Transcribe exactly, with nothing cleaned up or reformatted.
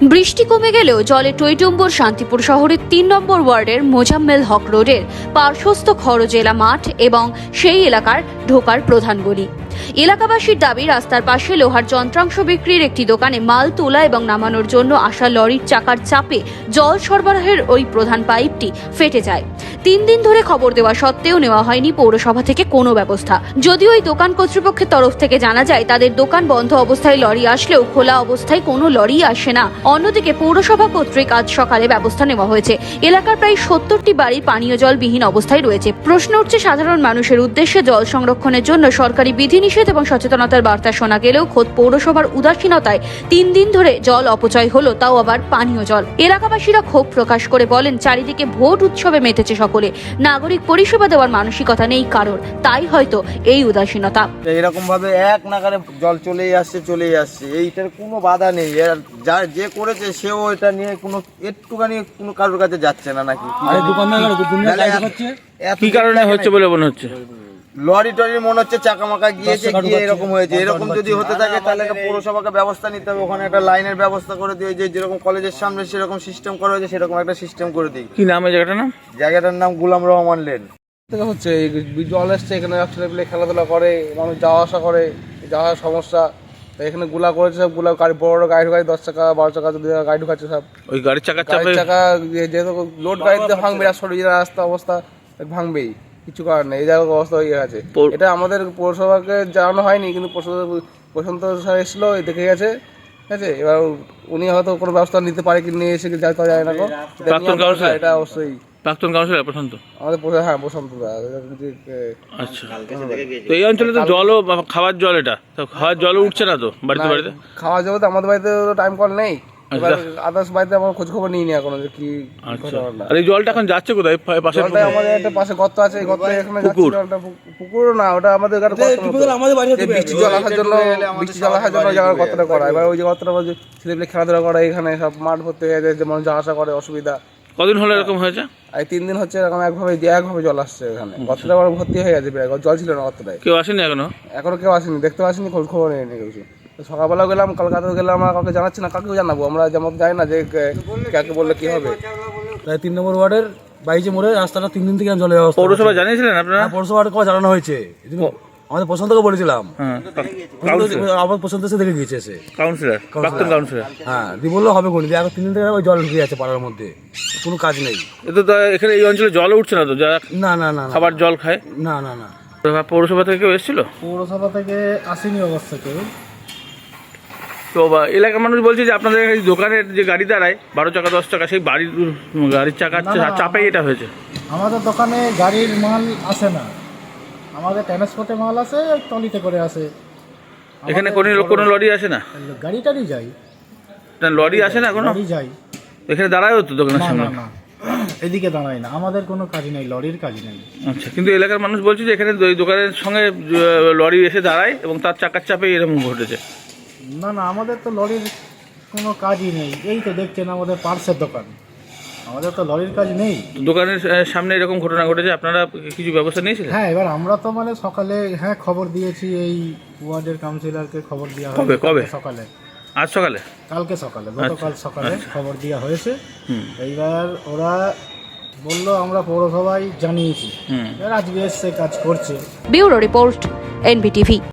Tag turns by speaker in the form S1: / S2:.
S1: বৃষ্টি কমে গেলেও জলে টইটুম্বুর শান্তিপুর শহরের তিন নম্বর ওয়ার্ডের মোজাম্মেল হক রোডের পার্শ্বস্থ খরজেলা মাঠ এবং সেই এলাকার ঢোকার প্রধান গলি। এলাকাবাসীর দাবি, রাস্তার পাশে লোহার যন্ত্রাংশ বিক্রির একটি দোকানে মাল তোলা এবং নামানোর জন্য আসা লরির চাকার চাপে জল সরবরাহের ওই প্রধান পাইপটি ফেটে যায়। তিন দিন ধরে খবর দেওয়া সত্ত্বেও নেওয়া হয়নি পৌরসভা থেকে কোনো ব্যবস্থা। যদিও ওই দোকান কর্তৃপক্ষের তরফ থেকে জানা যায় তাদের দোকান বন্ধ অবস্থায় লরি আসলেও খোলা অবস্থায় কোনো লরি আসে না। অন্যদিকে পৌরসভা কর্তৃক আজ সকালে ব্যবস্থা নেওয়া হয়েছে। এলাকার প্রায় সত্তরটি বাড়ি পানীয় জল বিহীন অবস্থায় রয়েছে। প্রশ্ন উঠছে সাধারণ মানুষের উদ্দেশ্যে, জল সংরক্ষণের জন্য সরকারি বিধিনিষেধ এবং সচেতনতার বার্তা শোনা গেলেও খোদ পৌরসভার উদাসীনতায় তিন দিন ধরে জল অপচয় হলো, তাও আবার পানীয় জল। এলাকাবাসীরা ক্ষোভ প্রকাশ করে বলেন, চারিদিকে ভোট উৎসবে মেতেছে সকলে, নাগরিক পরিষেবা দেওয়ার মানসিকতা নেই কারোর, তাই হয়তো এই উদাসীনতা।
S2: এরকম ভাবে এক নাগারে জল চলেই আসছে চলেই আসছে, এইটার কোনো বাধা নেই। যা যে করেছে সেও এটা নিয়ে কোনো একটুখানি কোনো কারোর কাছে যাচ্ছে না নাকি?
S3: কি কারণে হচ্ছে বলে মনে হচ্ছে?
S2: লরি টরি মনে হচ্ছে চাকা মাকা গিয়েছে, গিয়ে এরকম হয়েছে। এরকম যদি হতে থাকে তাহলে একটা পৌরসভাকে ব্যবস্থা নিতে হবে, ওখানে একটা লাইনের ব্যবস্থা করে দিয়ে, যে যেরকম কলেজের সামনে সেরকম সিস্টেম করা হয়েছে সেরকম একটা সিস্টেম করে দিই।
S3: কি নাম এই জায়গাটার নাম?
S2: জায়গাটার নাম গুলাম রহমান লেন।
S4: হচ্ছে জল এসছে, এখানে ছেলেপিলে খেলাধুলা করে, মানুষ যাওয়া আসা করে, যাওয়া সমস্যা। এখানে গুলা করেছে সব, গুলা গাড়ি বড় বড় গাড়ি ঢুকাচ্ছে, দশ চাকা বারো চাকা যদি গাড়ি ঢুকাচ্ছে সব।
S3: ওই গাড়ির চাকা
S4: গাড়ির চাকা যেহেতু লোড গাড়িতে ভাঙবে, আর সরিয়ে রাস্তা অবস্থা ভাঙবেই, কিছু করার নেই। এই জায়গার অবস্থা হয়ে গেছে। এটা আমাদের পৌরসভাকে জানানো হয়নি, কিন্তু প্রশান্ত স্যার এসেছিল, দেখে গেছে, ঠিক আছে। এবার উনি হয়তো কোনো ব্যবস্থা নিতে পারে কি নিয়ে এসে যাইতে যায় না। এটা অবশ্যই
S3: প্রাক্তন কাউন্সিলর প্রশান্ত,
S4: আমাদের হ্যাঁ প্রশান্ত দা।
S3: আচ্ছা, তো এই অঞ্চলে তো জলও খাওয়ার জল, এটা তো খাওয়ার জলও উঠছে না তো বাড়িতে বাড়িতে?
S4: খাওয়ার জল তো আমাদের বাড়িতে টাইম কল নেই, আদার্স বাড়িতে আমার খোঁজ খবর নিই নি এখনো যে কি।
S3: আর এই জলটা এখন যাচ্ছে কোথায়? পাশে
S4: আমাদের একটা পাশে গর্ত আছে, এই গর্তে এখানে পুকুর, পুকুর না ওটা আমাদের বৃষ্টি জল আসার জন্য, বৃষ্টি জল আসার জন্য জায়গার গর্তটা করা। এবার ওই যে গর্তটা ছেলেপিলে খেলাধুলা করে, এখানে সব মাঠ ভর্তি হয়ে যায়, যেমন যাওয়া আসা করে অসুবিধা।
S3: কদিন হলো এরকম হয়েছে?
S4: এই তিন দিন হচ্ছে এরকম একভাবে একভাবে জল আসছে এখানে। গর্তটা ভর্তি হয়ে গেছে, জল ছিল না গর্তটায়।
S3: কেউ আসেনি এখনো?
S4: এখনো কেউ আসেনি, দেখতে আসেনি, খোঁজ খবর নেই কিছু। সকালবেলা গেলাম, কলকাতায় গেলাম, আমরা কাউকে জানাচ্ছি না, কাউকে জানাবো আমরা? যেমন যাই না যে কাকে বললে কি হবে।
S5: তাই তিন নম্বর ওয়ার্ডের বাইশে মোড়ে রাস্তাটা তিন দিন থেকে জলের ব্যবস্থা।
S3: পৌরসভা জানিয়েছিলেন আপনারা?
S5: পৌরসভার কথা জানানো হয়েছে, আমাদের প্রশান্তকে বলেছিলাম, আবার প্রশান্ত এসে দেখে গিয়েছে এসে
S3: কাউন্সিলর, প্রাক্তন কাউন্সিলর।
S5: হ্যাঁ, দিয়ে বললো হবে কোন এখন তিন দিন থেকে ওই জল ঢুকে যাচ্ছে পাড়ার মধ্যে, কোনো কাজ নেই।
S3: এতো এখানে এই অঞ্চলে জল উঠছে না তো? যারা
S5: না না না
S3: খাবার জল খায়?
S5: না না না।
S3: পৌরসভা থেকে কেউ এসেছিল?
S6: পৌরসভা থেকে আসেনি অবশ্য কেউ।
S3: তো এলাকার মানুষ বলছে যে আপনাদের এই দোকানের যে গাড়ি দাঁড়ায় বারো চাকা দশ চাকা, সেই বাড়ির গাড়ির চাকার চাপেই এটা হয়েছে।
S6: আমাদের দোকানে গাড়ির মাল আসে না, আমাদের ট্রান্সপোর্টে মাল আসে, ট্রলিতে করে আসে।
S3: এখানে কোনো কোনো লরি আসে না?
S6: গাড়ি টাড়ি যাই,
S3: লরি আসে না কোনো?
S6: লরি যাই,
S3: এখানে দাঁড়ায় হতো দোকানের সামনে?
S6: না, এদিকে দাঁড়ায় না, আমাদের কোনো কাজ নেই, লরির কাজ নেই।
S3: আচ্ছা, কিন্তু এলাকার মানুষ বলছে যে এখানে দোকানের সঙ্গে লরি এসে দাঁড়ায় এবং তার চাকার চাপে এরকম ঘটেছে।
S6: না না, আমাদের তো লরির কোনো কাজই নেই। এই তো দেখছেন আমাদের পার্সের দোকান, আমাদের তো লরির কাজ নেই।
S3: দোকানের সামনে এরকম ঘটনা ঘটেছে, আপনারা কিছু ব্যবস্থা নিয়েছিলেন?
S6: হ্যাঁ, এবার আমরা তো মানে সকালে হ্যাঁ খবর দিয়েছি, এই ওয়ার্ডের কাউন্সিলরকে খবর দেওয়া
S3: কবে
S6: হয়েছে।
S3: কবে?
S6: সকালে।
S3: আজ সকালে?
S6: কালকে সকালে, গতকাল সকালে
S3: আচ্ছা।
S6: খবর দেওয়া হয়েছে। এইবার ওরা বললো আমরা পৌরসভায় জানিয়েছি, এবার আজকে এসে কাজ করছে।
S1: Bureau report, NBTV.